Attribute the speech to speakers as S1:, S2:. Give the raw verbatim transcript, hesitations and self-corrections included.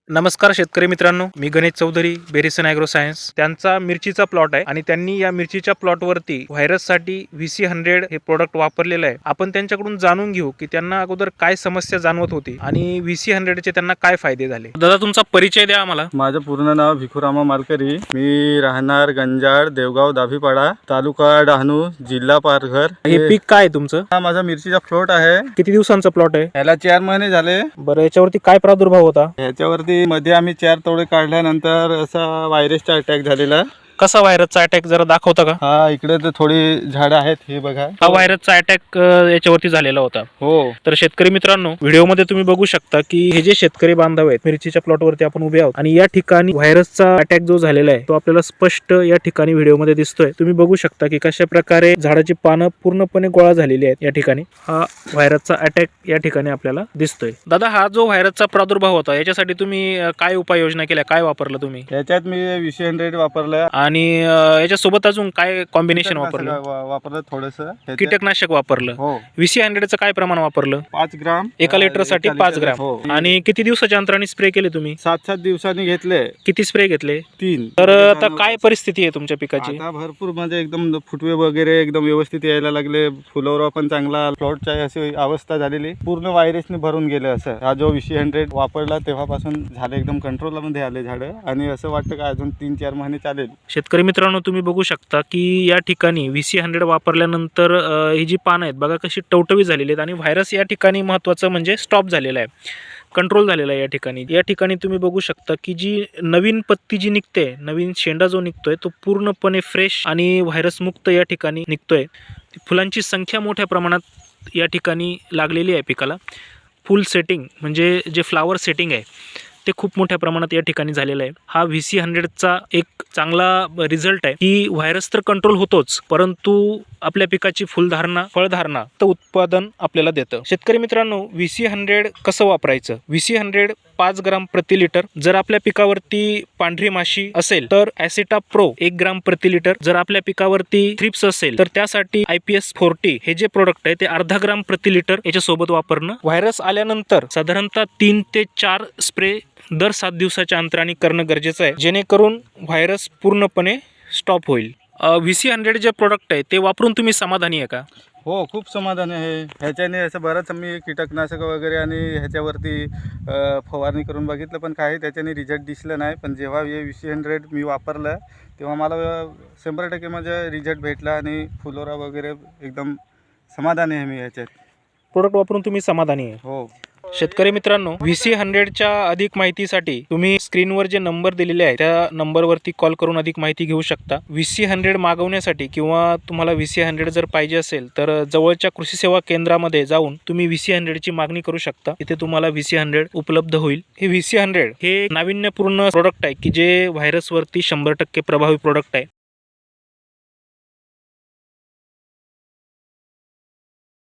S1: नमस्कार शेतकरी मित्रांनो, मी गणेश चौधरी, बेरिसन ॲग्रो सायन्स. त्यांचा मिरचीचा प्लॉट आहे आणि त्यांनी या मिरचीच्या प्लॉटवरती व्हायरससाठी व्ही सी हंड्रेड हे प्रोडक्ट वापरलेलं आहे. आपण त्यांच्याकडून जाणून घेऊ की त्यांना अगोदर काय समस्या जाणवत होती आणि व्ही सी हंड्रेडचे त्यांना काय फायदे झाले. दादा, तुमचा परिचय द्या आम्हाला.
S2: माझं पूर्ण नाव भिखुरामा मालकरी. मी राहणार गंजाड, देवगाव, दाभीपाडा, तालुका डहाणू, जिल्हा पालघर.
S1: हे पीक काय आहे तुमचं?
S2: हा माझा मिरचीचा प्लॉट आहे.
S1: किती दिवसांचा प्लॉट आहे?
S2: याला चार महिने झाले.
S1: बरं, याच्यावरती काय प्रादुर्भाव होता?
S2: ह्याच्यावरती मध्ये आम्ही चार तोडे काढल्यानंतर असा व्हायरसचा अटॅक झालेला.
S1: कसा व्हायरसचा अटॅक जरा दाखवता का?
S2: हा, इकडे तर थोडी झाडं आहेत, हे बघा.
S1: हा व्हायरसचा अटॅक याच्यावरती झालेला होता.
S2: हो.
S1: तर शेतकरी मित्रांनो, व्हिडिओमध्ये तुम्ही बघू शकता की हे जे शेतकरी बांधव आहेत, मिरचीच्या प्लॉटवरती आपण उभे आहोत आणि या ठिकाणी व्हायरसचा अटॅक जो झालेला आहे तो आपल्याला स्पष्ट या ठिकाणी व्हिडिओमध्ये दिसतोय. तुम्ही बघू शकता की कशा प्रकारे झाडाची पानं पूर्णपणे गोळा झालेली आहेत. या ठिकाणी हा व्हायरसचा अटॅक या ठिकाणी आपल्याला दिसतोय. दादा, हा जो व्हायरसचा प्रादुर्भाव होता याच्यासाठी तुम्ही काय उपाययोजना केल्या, काय वापरलं तुम्ही?
S2: याच्यात मी व्ही सी हंड्रेड वापरलं
S1: आणि याच्या सोबत अजून काय कॉम्बिनेशन वापरलं?
S2: वापरलं थोडस
S1: कीटकनाशक वापरलं.
S2: हो.
S1: व्ही सी हंड्रेडचं काय प्रमाण वापरलं?
S2: पाच ग्राम
S1: एका लिटर साठी पाच ग्राम.
S2: हो.
S1: आणि किती दिवसाच्या अंतराने स्प्रे केले तुम्ही?
S2: सात सात दिवसांनी घेतले.
S1: किती स्प्रे घेतले?
S2: तीन.
S1: तर आता काय परिस्थिती आहे तुमच्या पिकाची?
S2: आता भरपूर म्हणजे एकदम फुटवे वगैरे एकदम व्यवस्थित यायला लागले. फुलवरा पण चांगला. प्लॉटची अशी अवस्था झालेली, पूर्ण व्हायरसने भरून गेले. असं हा जो व्ही सी हंड्रेड वापरला तेव्हापासून झाले एकदम कंट्रोलमध्ये आले झाडं. आणि असं वाटतं का अजून तीन चार महिने चालेल.
S1: शेतकरी मित्रांनो, तुम्ही बघू शकता की या ठिकाणी व्ही सी हंड्रेड वापरल्यानंतर ही जी पानं आहेत बघा कशी टवटवी झालेली आहेत आणि व्हायरस या ठिकाणी महत्त्वाचं म्हणजे स्टॉप झालेला आहे, कंट्रोल झालेला आहे. या ठिकाणी या ठिकाणी तुम्ही बघू शकता की जी नवीन पत्ती जी निघते, नवीन शेंडा जो निघतोय तो पूर्णपणे फ्रेश आणि व्हायरस मुक्त या ठिकाणी निघतोय. फुलांची संख्या मोठ्या प्रमाणात या ठिकाणी लागलेली आहे पिकाला. फुल सेटिंग म्हणजे जे फ्लावर सेटिंग आहे ते खूप मोठ्या प्रमाणात या ठिकाणी झालेलं आहे. हा व्ही सी हंड्रेडचा एक चांगला रिझल्ट आहे की व्हायरस तर कंट्रोल होतोच, परंतु आपल्या पिकाची फुलधारणा, फळधारणा तर उत्पादन आपल्याला देतं. शेतकरी मित्रांनो, व्ही सी हंड्रेड कसं वापरायचं? व्ही सी हंड्रेड पाच ग्राम प्रति लिटर. जर आपल्या पिकावरती पांढरी माशी असेल तर ॲसिटा प्रो एक ग्राम प्रति लिटर. जर आपल्या पिकावरती थ्रिप्स असेल तर त्यासाठी आय पी एस फोर्टी हे जे प्रोडक्ट आहे ते अर्धा ग्राम प्रति लिटर याच्या सोबत वापरणं. व्हायरस आल्यानंतर साधारणतः तीन ते चार स्प्रे दर सात दिवसाच्या अंतराने करणं गरजेचं आहे, जेणेकरून व्हायरस पूर्णपणे स्टॉप होईल. व्ही सी हंड्रेड जे प्रोडक्ट आहे ते वापरून तुम्ही समाधानी आहे का?
S2: हो, खूप समाधान आहे. ह्याच्याने असं बरंच मी कीटकनाशक वगैरे आणि ह्याच्यावरती फवारणी करून बघितलं, पण काही त्याच्याने रिझल्ट दिसलं नाही. पण जेव्हा हे व्ही सी हंड्रेड मी वापरलं तेव्हा मला शंभर टक्के म्हणजे रिझल्ट भेटला आणि फुलोरा वगैरे एकदम समाधानी आहे मी ह्याच्यात.
S1: प्रोडक्ट वापरून तुम्ही समाधानी आहे?
S2: हो.
S1: शेतकरी मित्रांनो, व्ही सी हंड्रेडच्या अधिक माहितीसाठी तुम्ही स्क्रीनवर जे नंबर दिलेले आहे त्या नंबरवरती कॉल करून अधिक माहिती घेऊ शकता. व्ही सी हंड्रेड मागवण्यासाठी किंवा तुम्हाला व्ही सी हंड्रेड जर पाहिजे असेल तर जवळच्या कृषी सेवा केंद्रामध्ये जाऊन तुम्ही व्ही सी हंड्रेडची मागणी करू शकता. इथे तुम्हाला व्ही सी हंड्रेड उपलब्ध होईल. हे व्ही सी हंड्रेड हे नाविन्यपूर्ण प्रोडक्ट आहे की जे व्हायरसवरती शंभर टक्के प्रभावी प्रोडक्ट आहे.